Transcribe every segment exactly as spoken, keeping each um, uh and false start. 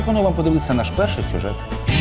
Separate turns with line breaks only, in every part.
Пропоную вам подивитися наш перший сюжет.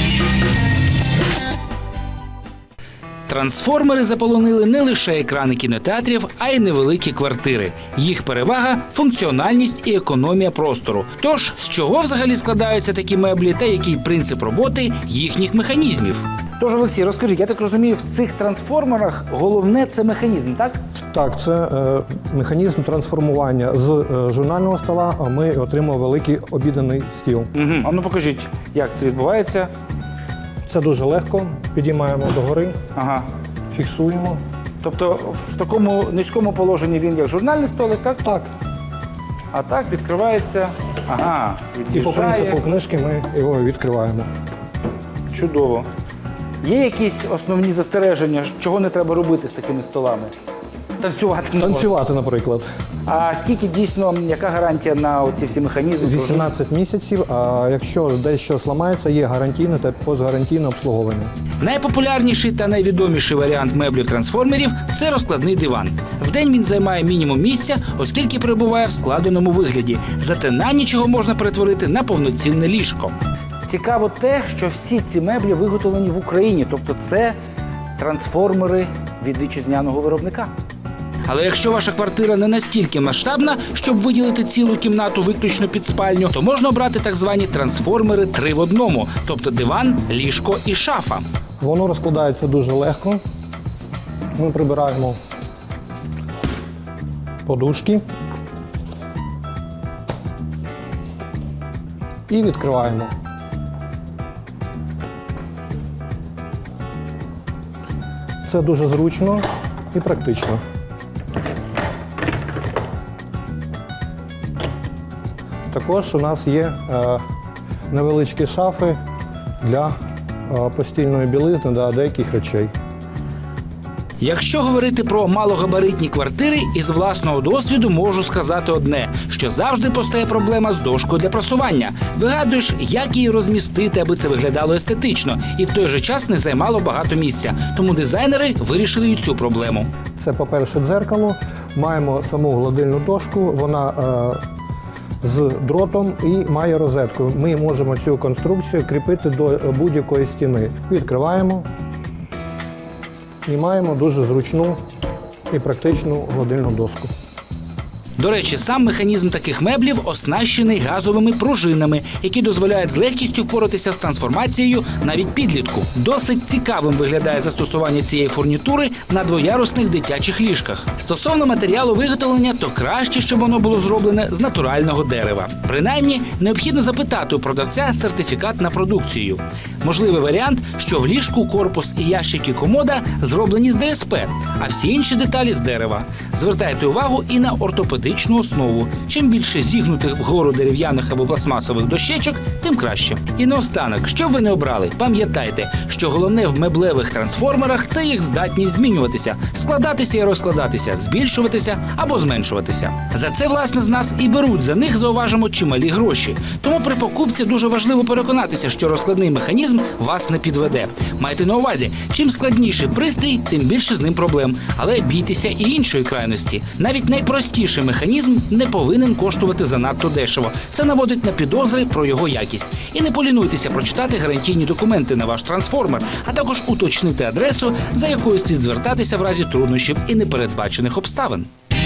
Трансформери заполонили не лише екрани кінотеатрів, а й невеликі квартири. Їх перевага – функціональність і економія простору. Тож, з чого взагалі складаються такі меблі та який принцип роботи їхніх механізмів?
Тож, Олексій, розкажіть, я так розумію, в цих трансформерах головне – це механізм, так?
Так, це е, механізм трансформування. З е, журнального стола ми отримуємо великий обіденний стіл.
Угу. А ну покажіть, як це відбувається.
Це дуже легко. Підіймаємо догори,
Ага.
фіксуємо.
Тобто в такому низькому положенні він як журнальний столик, так?
Так.
А так відкривається, ага,
І по
від'їжджає.
принципу книжки ми його відкриваємо.
Чудово. Є якісь основні застереження, чого не треба робити з такими столами? Танцювати не можна.
Танцювати, наприклад.
А скільки дійсно, яка гарантія на оці всі механізми?
вісімнадцять місяців, а якщо дещо зламається, є гарантійне та постгарантійне обслуговування.
Найпопулярніший та найвідоміший варіант меблів-трансформерів – це розкладний диван. Вдень він займає мінімум місця, оскільки перебуває в складеному вигляді. Зате на ніч його можна перетворити на повноцінне ліжко.
Цікаво те, що всі ці меблі виготовлені в Україні, тобто це трансформери від вітчизняного виробника.
Але якщо ваша квартира не настільки масштабна, щоб виділити цілу кімнату виключно під спальню, то можна обрати так звані трансформери три в одному, тобто диван, ліжко і шафа.
Воно розкладається дуже легко. Ми прибираємо подушки і відкриваємо. Це дуже зручно і практично. Також у нас є е, невеличкі шафи для е, постільної білизни та деяких речей.
Якщо говорити про малогабаритні квартири, із власного досвіду можу сказати одне, що завжди постає проблема з дошкою для прасування. Вигадуєш, як її розмістити, аби це виглядало естетично, і в той же час не займало багато місця. Тому дизайнери вирішили і цю проблему.
Це, по-перше, дзеркало. Маємо саму гладильну дошку, вона е, з дротом і має розетку. Ми можемо цю конструкцію кріпити до будь-якої стіни. Відкриваємо. І маємо дуже зручну і практичну гладильну доску.
До речі, сам механізм таких меблів оснащений газовими пружинами, які дозволяють з легкістю впоратися з трансформацією навіть підлітку. Досить цікавим виглядає застосування цієї фурнітури на двоярусних дитячих ліжках. Стосовно матеріалу виготовлення, то краще, щоб воно було зроблене з натурального дерева. Принаймні, необхідно запитати у продавця сертифікат на продукцію. Можливий варіант, що в ліжку корпус і ящики комода зроблені з ДСП, а всі інші деталі з дерева. Звертайте увагу і на ортопедичну основу. Чим більше зігнутих вгору дерев'яних або пластмасових дощечок, тим краще. І наостанок, що б ви не обрали, пам'ятайте, що головне в меблевих трансформерах – це їх здатність змінюватися, складатися і розкладатися, збільшуватися або зменшуватися. За це, власне, з нас і беруть за них, зауважимо, чималі гроші. Тому при покупці дуже важливо переконатися, що розкладний механізм вас не підведе. Майте на увазі, чим складніший пристрій, тим більше з ним проблем. Але бійтеся і іншої крайності. Навіть найпростіший механізм не повинен коштувати занадто дешево. Це наводить на підозри про його якість. І не полінуйтеся прочитати гарантійні документи на ваш трансформер, а також уточнити адресу, за якою слід звертатися в разі труднощів і непередбачених обставин.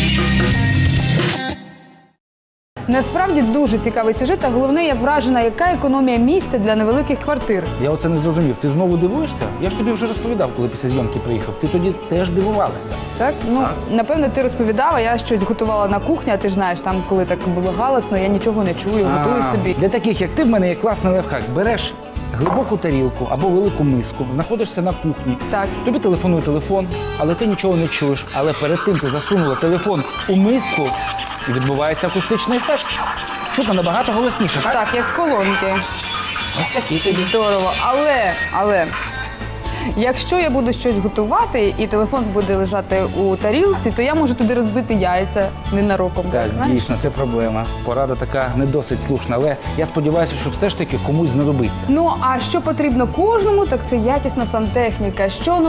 Насправді дуже цікавий сюжет, а головне, я вражена, яка економія місця для невеликих квартир.
Я оце не зрозумів. Ти знову дивуєшся? Я ж тобі вже розповідав, коли після зйомки приїхав. Ти тоді теж дивувалася.
Так? Ну, напевно, ти розповідав, а я щось готувала на кухні, а ти ж знаєш, там, коли так було галасно, я нічого не чую, готую собі.
Для таких, як ти, в мене є класний лайфхак. Береш глибоку тарілку або велику миску, знаходишся на кухні.
Так.
Тобі телефонує телефон, але ти нічого не чуєш. Але перед тим ти засунула телефон у миску, і відбувається акустичний ефект. Чутно набагато голосніше, так?
Так, як колонки.
Ось такі тобі.
Здорово. Але, але, якщо я буду щось готувати і телефон буде лежати у тарілці, то я можу туди розбити яйця ненароком.
Так,
знаєш?
дійсно, це проблема. Порада така не досить слушна, але я сподіваюся, що все ж таки комусь знадобиться.
Ну, а що потрібно кожному, так це якісна сантехніка. Що